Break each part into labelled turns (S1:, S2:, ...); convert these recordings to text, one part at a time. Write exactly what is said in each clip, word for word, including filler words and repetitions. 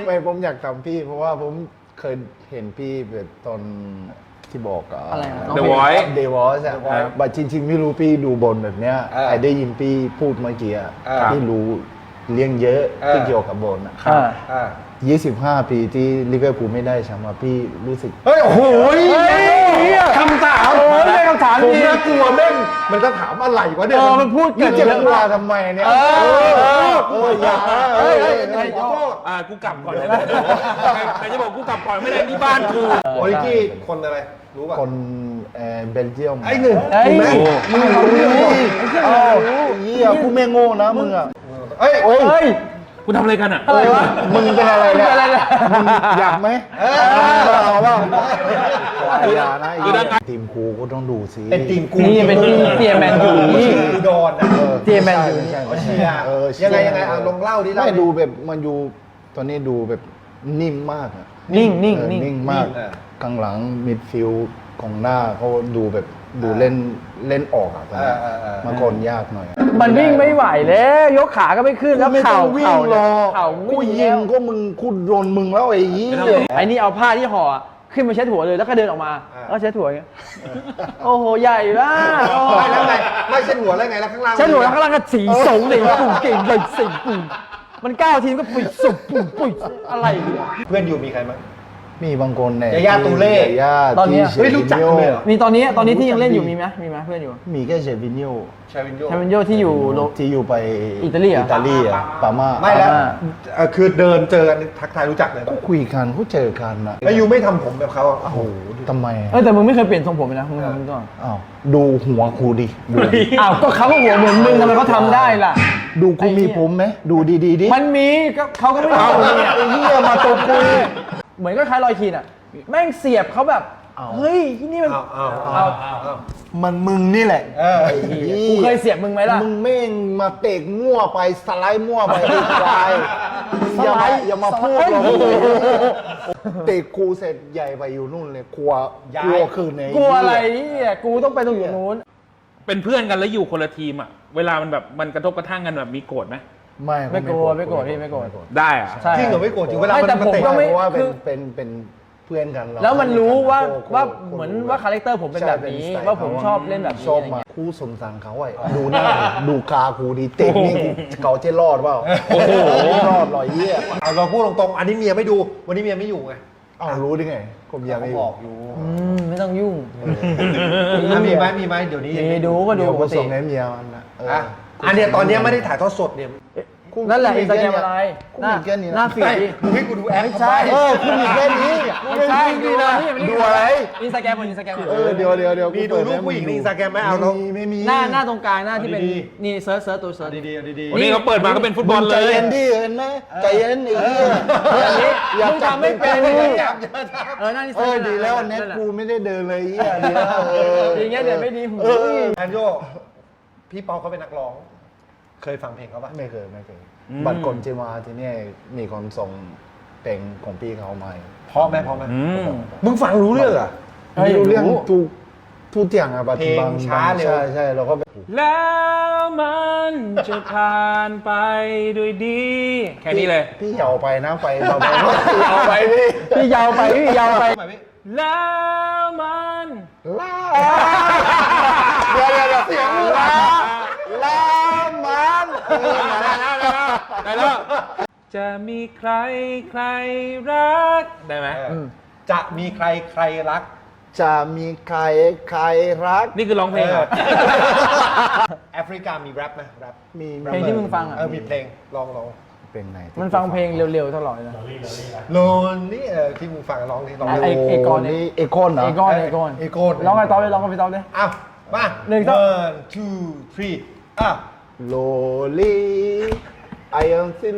S1: ไม่ผมอยากทำพี่เพราะว่าผมเคยเห็นพี่แบบตอนที่บอกอะ
S2: อะไรนะ
S3: The Voice
S1: The Voice อะบัดจริงๆไม่รู้พี่ดูบนแบบเนี้ย
S4: เออ
S1: ไอ้ได้ยินพี่พูดเมื่อกี้อะ
S4: เออ
S1: พี่รู้เลี้ยงเยอะ
S4: เออ
S1: ที่เกี่ยวกับบนอะ
S2: อ่า
S4: อ่า
S1: ยี่สิบห้าปีที่ลิเวอร์พูลไม่ได้แชมป์อะพี่รู้สึก
S4: เฮ้ยโอ้โห
S1: คำถาม
S2: โอ้ยไม่คำถาม
S1: ผม
S2: ดี
S1: น่ากลัวแม่งมันจะถามอะไรวะเนี่ย
S2: เออมันพูดเกิ
S1: นี่
S2: น
S1: จะ
S2: เยอะ
S1: กลัว
S2: มาก
S1: ทำไมเนี่ย
S2: เออเออ
S1: เอออย่าเออเออเออ
S4: ขอโทษ
S3: อ่ากูกลับก่อนเลยใครจะบอกกูกลับก่อนไม่ได้ที่บ้านกู
S4: โอริกี้คนอะไรรู้ป่ะ
S1: คนเอ่อเบลเยียม
S4: ไอ้หนึ่ง
S2: เฮ้ย
S4: ถูกไหม
S1: มึงรู้เรื่องดิเอ้าเหี้ยกูไม่โง่นะมึงอ่ะ
S4: เฮ้ย
S1: โอ้ย
S2: เฮ้ย
S3: กูทำอะไรกันอ่ะ
S2: อะไรวะ
S1: มึงเป็นอะไรเนี่ย
S2: มึงเป็นอะไรเนี่ย
S1: มึงอยากไหม
S4: เออ
S1: เอาเปล่าอย่านะไอ้เหี้ยทีมครูก็ต้องดูสิ
S4: เป็นทีมกู
S2: นี่เป็นทีมเตียแมนยูนี่
S4: กูโดนนะ
S1: ออ
S2: เจแมนยู
S1: ใช่
S4: เขา
S1: ใช่
S4: เชียร์
S1: เออ
S4: ยังไงยังไงอ่ะลองเล่าดิเล่า
S1: ไม่
S4: ดิ
S1: ดูแบบมันอยู่ตอนนี้ดูแบบนิ่มมากอะ
S2: นิ่งนิ่ง
S1: เออ
S2: นิ่ง
S1: นิ่งมาก
S4: เออ
S1: กลางหลังมิดฟิลด์ของหน้าเขาดูแบบดูเล่นเล่นออกอ่ะตอนนี้
S4: เออเออเออ
S1: เมื่อก่อนยากหน่อย
S2: มันวิ่งไม่ไหวแล้วยกขาก็ไม่ขึ้นแล้ว
S1: ไม่ต้
S2: เข่า
S1: องวิ่
S2: เข่าง
S1: หรอก
S2: เข่า
S1: กูยิงก็มึงกูโดนมึงแล้วไอ้ยี่
S2: ไอ้นี่เอาผ้าที่ห่อขึ้นมาเช็ดหัวเลยแล้วก็เดินออกมา
S4: อ่า
S2: แล้วเช็ดหัวอย่างเงี้ยโอ้โหใหญ่มากโอ้โห
S4: ไม่แล้วไงไม่เช่นหัวแล้วไงแล้วข้างล่าง
S2: เช็ดหัวแล้วข้างล่างก็สีสูงเลยปุ่มเก่งเลยสิปุ่มมันก้าวทีมก็ปุ๋ยสุบปุ่มปุ๋ยอะไรเนี่ย
S4: เพื่อนอยู่มีใครมั้ง
S1: มีบางคนเนี่ย
S4: ยาย่าตูเล่
S1: ยาย่า
S2: ตอนเนี้ย
S1: ที่
S4: เฮ้ยรู้จักกันเลยเหรอ
S2: มีตอนนี้ตอนนี้ที่ยังเล่นอยู่มีไหมมีไหมเพื่อนอยู่
S1: มีแค่เชฟินโย
S4: ชาวินโย
S2: ชาวินโยที่อยู่โล
S1: ที่อยู่ไป
S2: อิตาลีเหรอ
S1: อิตาลีอ่ะปาม่า
S4: ไม่แล้ว
S2: อ่า
S4: เอ่อคือเดินเจอกันทักทายรู้จักเลย
S1: ก็คุยกันก็เจอกันนะ
S4: แล้วยูไม่ทำผมแบบเขาอ่ะ
S1: โอ้โหทำไม
S2: เออแต่มึงไม่เคยเปลี่ยนทรงผมเลยนะมึงทำมึงก่อน
S1: อ้าวดูหัวกูดิดูดิ
S2: อ้าวก็เขาก็หัวเหมือนมึงทำไมเขาทำได้ล่ะ
S1: ดูกูมีผมไหมดูดีๆดิ
S2: มันมีก็เขาก็ไม่เอาเนี่ย
S1: ไอ้เหี้ยมาตบกู
S2: เหมือนก็คล้ายรอยคีนอ่ะแม่งเสียบเขาแบบ
S1: เอา
S2: เฮ้ยที่นี่มัน
S4: อ้าวอ้าว
S2: เอา
S4: อ้าวอ้าว
S1: มันมึงนี่แหละ
S4: เออ
S1: ไอ้หี้
S2: กูเคยเสียบมึงไหมล่ะ
S1: มึงแม่งมาเตะมั่วไปสไลด์มั่วไปไอ้ควายอย่ามาอย่ามาพูดหรอกเตะกูเสร็จใหญ่ไปอยู่นู่นเลยกลัวกลัวคืนไหน
S2: กลัวอะไรเนี่ยกูต้องไปตรงอยู่นู้น
S3: เป็นเพื่อนกันแล้วอยู่คนละทีมอ่ะเวลามันแบบมันกระทบกระทั่งกันแบบมีโกรธไหม
S1: ไม่
S2: ไม่กลัวไม่กลัวพี่ไม่กลัว
S3: ได้อะ
S2: ใช่
S4: จริงเหรอไม่โกรธจริงเวลา
S2: ไม่
S4: มัน
S2: แต่
S4: มา
S2: ผม
S4: เตะ
S2: ก็ไม่
S1: เพราะว่าเป็น
S2: คือ
S1: เป็นเป็นเพื่อนกันเรา
S2: แล้วมันรู้ว่า
S1: โค
S2: ว่า
S1: โค
S2: เหมือน
S1: รู้
S2: ว่าคาแรคเตอร์ผมเป็นแบบนี้
S1: ใช่เป็สไตล์
S2: ว่าผมชอบเล่นแบบนี้
S1: ชอบ
S2: อะไร
S1: มา
S2: เงี้ย
S1: คู่สงสารเขาไอ้ดูหน้าดูกากูดีเตะนี่กูเขาจะรอดเปล่า
S3: โอ้โห
S1: ไม่รอดหรอยเยี่ย
S4: เอาเราพูดตรงๆอันนี้เมียไม่ดูวันนี้เมียไม่อยู่ไง
S1: อ้าวรู้ได้ไงผมยังไม่
S4: เขาบอกอยู่
S2: อืมไม่ต้องยุ่ง
S4: อ่ะมีไหมมีไหมเดี๋ยวนี้ยัง
S2: มี
S4: ไม่
S2: ดูก็ดู
S1: เดี๋ยว
S2: ป
S1: กู
S2: กติ
S1: ส่งให้เมียมันนะเออ
S4: อ่ะอันเนี้ยตอนเนี้ยไม่ได้ถ่ายทอดสดเนี่ย
S2: นั่นแหละอินสตาแกรมอะไร
S1: กู
S2: หน้า
S1: มีแค่นี้
S2: หน้า
S1: นะ
S2: ฟีดดิ
S4: มึงให้กูดูแอป
S2: ไม่ใช่
S1: เออคุณมีแค่นี้
S2: ไม่ใช่
S1: ดู
S2: ดู
S1: นะ
S2: นะ
S1: ดูอะไร
S2: อินสตาแกรมบนอินสตาแกรม
S1: เออเดี๋ยวเดี๋ยวเดี๋ยว
S4: มีดูรูปผู้หญิงในอินสตาแกรมไหมเอาลง
S1: มีไม่มี
S2: หน้าหน้าตรงกลางหน้าที่เป็น
S4: ดี
S2: นี่เซิร์ชเซิร์ชตัวเซิร์ช
S4: ดีๆเอาดี
S3: วันนี้เขาเปิดมาก็เป็นฟุตบอล
S1: มึง
S3: เล
S1: ใจ
S3: ย
S1: เย็นดิเห็นไหมใจเย็นไอ้เหี้ย
S2: อย่างนี้
S1: อยาก
S2: มึงทำไม่เป็น
S1: จับ
S2: เลย
S1: จับ
S2: เออหน้านี่
S1: เอ
S2: เซิร์
S1: อ
S2: ช
S1: ดีแล้วเน็ตกูไม่ได้เดินเลยไอ้เหี้ยดีแล้วเออ
S2: อย่างเงี้ยเดี๋ยวไม่ดีหู
S1: เออ
S4: ๆแอนโยพี่เปาเขาเป็นนักร้อง เคยฟังเพลงเขาปะ
S1: ไม่เคยไม่เคย
S3: อืม
S1: บัตรก่อนจะมาที่นี่มีคนส่งเพลงของพี่เขามา
S4: เพราะไหมเพราะไหม
S3: อืม
S4: มึงฟังรู้เรื่องเหรอ่ะ
S1: ไม่รู้เรื่องทุกทุกอย่างอะบัตร
S4: เพลง
S1: บาง
S4: ช้า
S1: บาง
S4: เร็ว
S1: ใช่ใช่เราก็แบบ
S3: แล้วมันจะผ่านไปด้วยดี แค่นี้เลย
S1: พี่ยาวไปนะไปเราไปยาวไปพี่
S2: พี่ยาวไปพี่ยาวไป
S4: ทำไมพี่
S3: แล้วมัน
S1: ลาเดี๋ยวเดี๋ยวเดี๋ยวเสียงลาลามัน
S3: ได้แล้ว จะมีใครใครรัก ได้ไหม
S4: เออจะมีใครใครรัก
S1: จะมีใครใครรัก
S3: นี่คือร้องเพลงเหรอ
S4: แอฟริกามีแรปไหมแรป
S1: มี
S2: เพลงที่มึงฟังอ่ะ
S4: เออมีเพลงลองลอง
S1: เป็นไหนที่
S2: มันฟังเพลงเร็วๆตลอดเลยนะ
S4: โลนนี่เออที่มึงฟังร้องที่ร้อง
S2: ไอ้ไอ้กอนเนี่ย
S1: นี่เอกอนเหรอ
S2: เอก้อนเอก้อน
S4: เอโกน
S2: ร้องไงตอบเลยร้องกับพี่ตอบเลย
S4: อ้าวมา
S2: หนึ่งสอง
S4: one two three อ่ะ
S1: โลลีไออันซิโล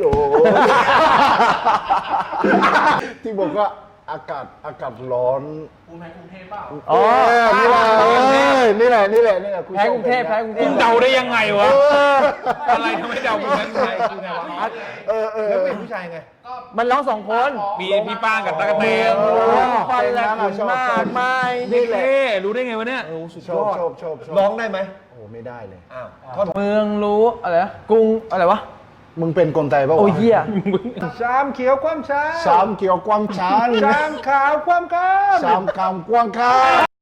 S1: ที่บอกว่าอากาศอากาศร้อน
S2: อ๋อ
S1: เออนี่แหละเออนี่แหละนี่แหละนี่แหละ
S2: แพ้กรุงเทพแพ้กรุงเท
S3: มึ
S2: พ
S3: งเดาได้ยังไงวะ อะไรทำไมเดามึงนั้นไงคือไงวะ
S1: เออเออ
S4: แล้วเป็นผู้ชายไง
S2: มันร้องสองคน
S3: มีพี่ป้างกับตะกะแตน
S2: โอ้ควันและฝุ่นมากมาย
S3: นี่เท่รู้ได้ไงวะเนี่ย
S1: ชอบชอบชอบชอบ
S4: ร้องได้ไหม
S1: โอ้ไม่ได้เลย
S4: อ้าวท่อน
S2: เมืองรู้อะไรนะกรุงอะไรวะ
S1: มึงเป็นคนไทยปะวะ
S2: โอ้ยเหี้ย
S4: ชามเขียวความช้า
S1: ชามเกี่ยวความชาน
S4: ชามขาวความก้าม
S1: ชามคำกว้างค้าง